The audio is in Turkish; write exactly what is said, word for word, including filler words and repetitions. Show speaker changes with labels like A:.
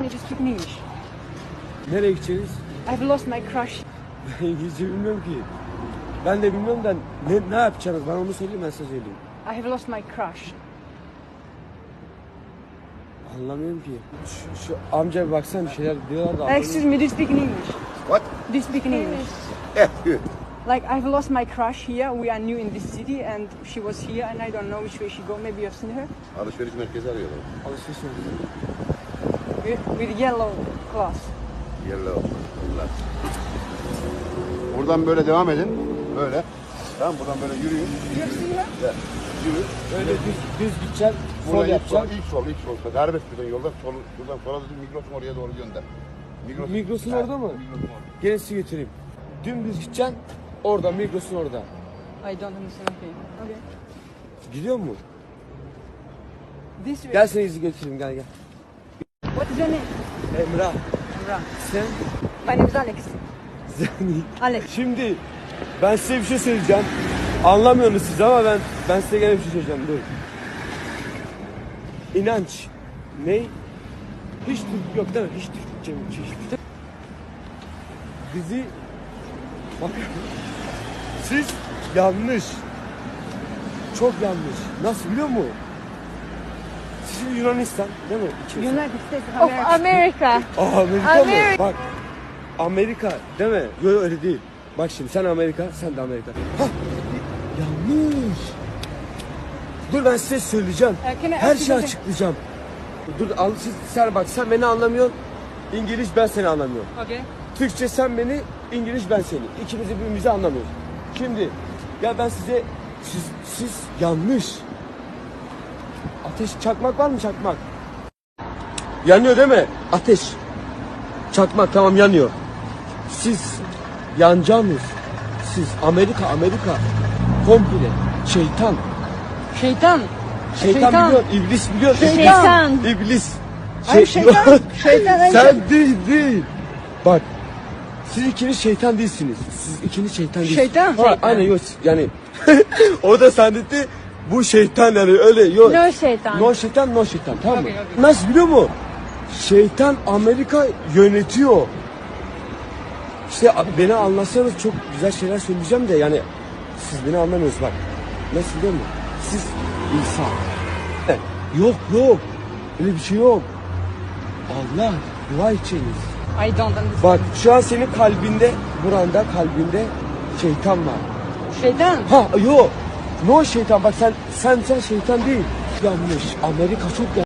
A: me to speak in English.
B: Nereye gideceğiz?
A: I've lost my crush.
B: Ben İngilizce bilmiyorum ki. Ben de bilmiyorum da ne, ne yapacaksınız? Bana onu söyleyeyim, ben size söyleyeyim.
A: I have lost my crush.
B: Anlamıyorum ki. Şu, şu amca bir baksana, bir şeyler diyorlar da.
A: Uh, excuse me, do you speak in English?
C: What?
A: Do you speak in English?
C: Yeah, good.
A: Like, I've lost my crush here. We are new in this city and she was here and I don't know which way she go. Maybe you've seen her.
C: Alışveriş merkezi arıyorlar.
B: Alışveriş yapıyorlar.
A: With, with yellow cloth.
C: Yellow. Bunlar. Buradan böyle devam edin. Böyle. Tamam, buradan böyle yürüyün.
A: You have seen her?
C: Evet. Yürü.
B: Öyle düz, düz gideceksin, sol
C: Buradan ilk sol,
B: yapacaksın.
C: ilk sol, ilk sol. Serbest buradan yolda. Sol, buradan sola dedim, Migros'un oraya doğru gönder. Migros,
B: Migros'un
C: Evet,
B: orada mı?
C: Migros'un orada.
B: Gelin sizi götüreyim. Dümdüz gideceksin, orada, Migros'un orada.
A: I don't understand. Okay. Okay.
B: Gidiyor mu?
A: This way.
B: Gel seni izi götüreyim, gel gel.
A: What is your name?
B: Emrah,
A: Emrah.
B: sen?
A: My name is Alex.
B: Sen-
A: Alex.
B: Şimdi ben size bir şey söyleyeceğim. Anlamıyorsunuz siz ama ben ben size gene bir şey söyleyeceğim. Dur. İnanç. Ne? Hiç Türk yok değil mi? Hiç Türkçe mi? Hiç. Bizi bak. Siz yanlış. Çok yanlış. Nasıl biliyor musun? Siz Yunanistan değil mi? İkiniz.
A: United States of
D: Of
A: America.
D: America.
B: Aa, Amerika
D: Amerika.
B: mı? Bak. Amerika değil mi? Yok yok, öyle değil. Bak şimdi sen Amerika, sen de Amerika. Hah. Yanlış. Dur ben size söyleyeceğim.
A: Uh, can I
B: Her
A: ask you
B: şeyi
A: something?
B: açıklayacağım. Dur al, siz, sen bak sen beni anlamıyorsun. İngiliz ben seni anlamıyorum.
A: Okay.
B: Türkçe sen beni, İngiliz ben seni. İkimiz de birbirimizi anlamıyoruz. Şimdi ya ben size siz, siz yanlış. Ateş çakmak var mı çakmak? Yanıyor değil mi? Ateş. Çakmak tamam yanıyor. Siz yanacağınız. Siz Amerika Amerika komple şeytan.
A: Şeytan.
B: Şeytan,
A: Şeytan.
B: biliyor, iblis biliyor.
D: Şeytan.
B: İblis. İblis.
A: Ay, şeytan. Şeytan, ay,
B: Sen değil değil. Bak. Siz ikiniz şeytan değilsiniz. Siz ikiniz şeytan değilsiniz.
A: Şeytan.
B: Ha,
A: Şeytan.
B: aynen yok yani. O da zannetti bu şeytan yani öyle yok.
D: No şeytan.
B: No şeytan no şeytan tamam mı?
A: Okey, okey.
B: Nasıl biliyor musun? Şeytan Amerika yönetiyor. İşte beni anlasanız çok güzel şeyler söyleyeceğim de yani siz beni anlamıyorsunuz bak. Nasıl biliyor musun? Siz insan. Yok yok. Öyle bir şey yok. Allah dua edeceğiniz.
A: I don't understand.
B: Bak şu an senin kalbinde, buranda kalbinde şeytan var.
A: Şeytan.
B: Ha yok. No şeytan bak sen sen sen şeytan değil. Yanlış. Amerika çok yanlış.